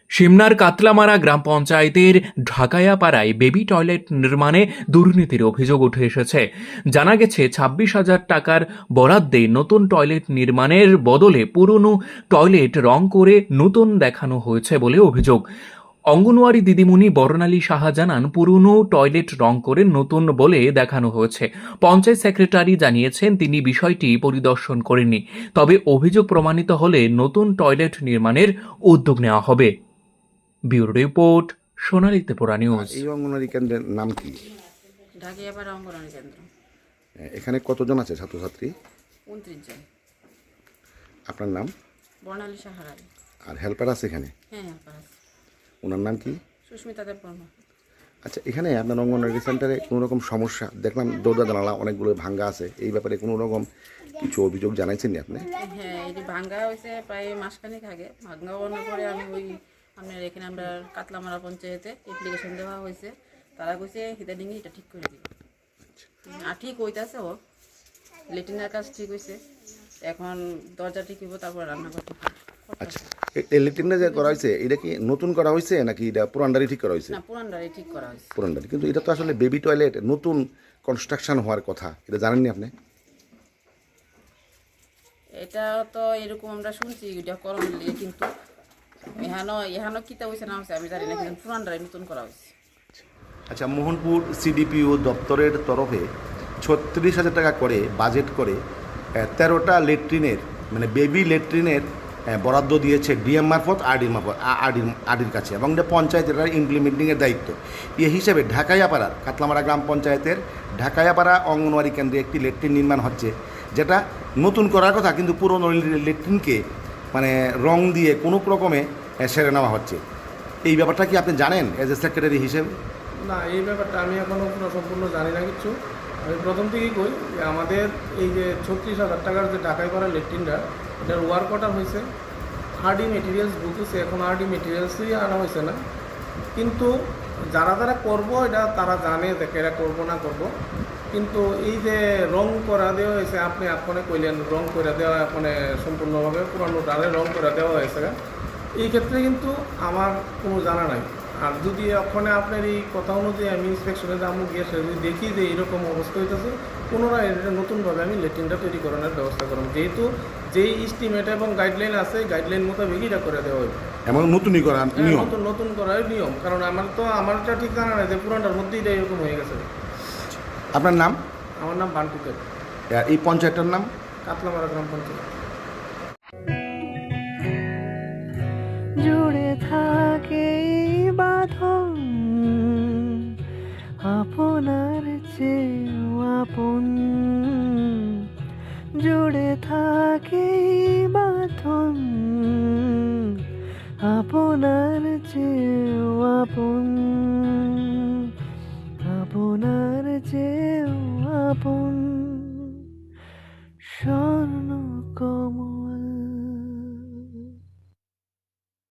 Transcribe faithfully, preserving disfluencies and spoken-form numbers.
সিমনার কাতলামারা গ্রাম পঞ্চায়েতের ঢাকায়াপাড়ায় baby toilet নির্মাণে দুর্নীতির অভিযোগ উঠে এসেছে। জানা গেছে ছাব্বিশ হাজার টাকার বরাদ্দে নতুন টয়লেট নির্মাণের বদলে পুরনো টয়লেট রং করে নতুন দেখানো হয়েছে বলে অভিযোগ। অঙ্গনওয়াড়ি দিদিমণি বর্ণালী সাহা জানান, পুরনো টয়লেট রং করে নতুন বলে দেখানো হয়েছে। পঞ্চায়েত সেক্রেটারি জানিয়েছেন তিনি বিষয়টি পরিদর্শন করেননি, তবে অভিযোগ প্রমাণিত হলে নতুন টয়লেট নির্মাণের উদ্যোগ নেওয়া হবে। Bureau report, Sonali Tripura news. এই অঙ্গনওয়াড়ি কেন্দ্রের নাম কি? ঢাকিয়াপাড়া অঙ্গনওয়াড়ি কেন্দ্র। এখানে কতজন আছে ছাত্রছাত্রী? উনত্রিশ জন। আপনার নাম? বর্ণালী সাহারাই। আর হেল্পার আছে এখানে? হ্যাঁ, হেল্পার আছে। ওনার নাম কি? সুস্মিতা দেববর্মা। আচ্ছা, এখানে আপনার অঙ্গনওয়াড়ি সেন্টারে কোনো রকম সমস্যা দেখলাম, দরজা জানালা অনেকগুলো ভাঙ্গা আছে, এই ব্যাপারে কোনো রকম কিছু অভিযোগ জানাইছেন নি আপনি? হ্যাঁ, এটি ভাঙ্গা হয়েছে প্রায় মাসখানেক আগে। ভাঙ্গা হওয়ার পরে আমি ওই আপনার এখানে আমরা কাতলামারা পঞ্চায়েতে অ্যাপ্লিকেশন দেওয়া হয়েছে। তারা কইছে হিদানিংয়ে এটা ঠিক করে দিবে। আর ঠিক হইতেছে, ও লেট্রিনের কাজ ঠিক হয়েছে, এখন দরজা ঠিক হইব, তারপর রান্নাঘর ঠিক হবে। আচ্ছা, এই লেট্রিনটা যে করা হয়েছে এটা কি নতুন করা হয়েছে নাকি এটা পুরানডারি ঠিক করা হয়েছে? না, পুরানটাই ঠিক করা হয়েছে। পুরানডারি, কিন্তু এটা তো আসলে বেবি টয়লেট, নতুন কনস্ট্রাকশন হওয়ার কথা, এটা জানেননি আপনি? এটা তো এরকম আমরা শুনছি, এটা করণ লিয়ে, কিন্তু এখানো এখানো কিতা হয়েছে না হয়েছে আমি জানি না, কিন্তু পুরানটাই নতুন করা হয়েছে। আচ্ছা, মোহনপুর সিডিপিও দপ্তরের তরফে ছত্রিশ হাজার টাকা করে বাজেট করে তেরোটা লেট্রিনের মানে বেবি লেট্রিনের বরাদ্দ দিয়েছে ডিএম মারফত আরডির মারফত আরডির আরডির কাছে, এবং এটা পঞ্চায়েতের ইমপ্লিমেন্টিংয়ের দায়িত্ব। এ হিসেবে ঢাকায়াপাড়ার কাতলামারা গ্রাম পঞ্চায়েতের ঢাকায়াপাড়া অঙ্গনওয়াড়ি কেন্দ্রে একটি লেট্রিন নির্মাণ হচ্ছে, যেটা নতুন করার কথা, কিন্তু পুরনো লেট্রিনকে মানে রং দিয়ে কোনো রকমে সেরে নেওয়া হচ্ছে। এই ব্যাপারটা কি আপনি জানেন এজ এ সেক্রেটারি হিসেবে? না, এই ব্যাপারটা আমি এখনও পুরো সম্পূর্ণ জানি না কিছু। আমি প্রথম থেকেই কই যে আমাদের এই যে ছত্রিশ হাজার টাকার যে ঢাকায় করা লেট্রিনটা, এটার ওয়ার্ক অর্ডার হয়েছে, আরডি মেটেরিয়ালস ঢুকেছে, এখন আরডি মেটেরিয়ালসই আনা হয়েছে না। কিন্তু যারা যারা করব এটা তারা জানে যে এরা করবো না করব। কিন্তু এই যে রং করা দেওয়া হয়েছে, আপনি আপনে কইলেন রং করে দেওয়া, আপনি সম্পূর্ণভাবে পুরানো ডালে রং করে দেওয়া হয়েছে, এই ক্ষেত্রে কিন্তু আমার কোনো জানা নাই। আর যদি ওখানে আপনার এই কথা অনুযায়ী আমি ইন্সপেকশনে যাবো, গিয়ে সে যদি দেখি যে এইরকম অবস্থা হইতেছে, পুনরায় এটা নতুনভাবে আমি লেট্রিনটা তৈরি করানোর ব্যবস্থা করব, যেহেতু যেই এস্টিমেট এবং গাইডলাইন আছে গাইডলাইন মোতাবেক এটা করে দেওয়া হবে। এমন নতুনই করা নিয়ম, নতুন নতুন করার নিয়ম, কারণ আমার তো আমারটা ঠিক জানা নাই যে পুরানটার মধ্যেই এটা এরকম হয়ে গেছে। আপনার নাম? আমার নাম বান্টুকের। আর এই পঞ্চায়েতটার নাম? কাতলামারা গ্রাম পঞ্চায়েত। জুড়ে থাকে বাঁধন আপনার চেয়েও আপন, জুড়ে থাকে বাঁধন আপনার চেয়েও আপন, আপনার চেয়েও আপন, স্বর্ণ কমল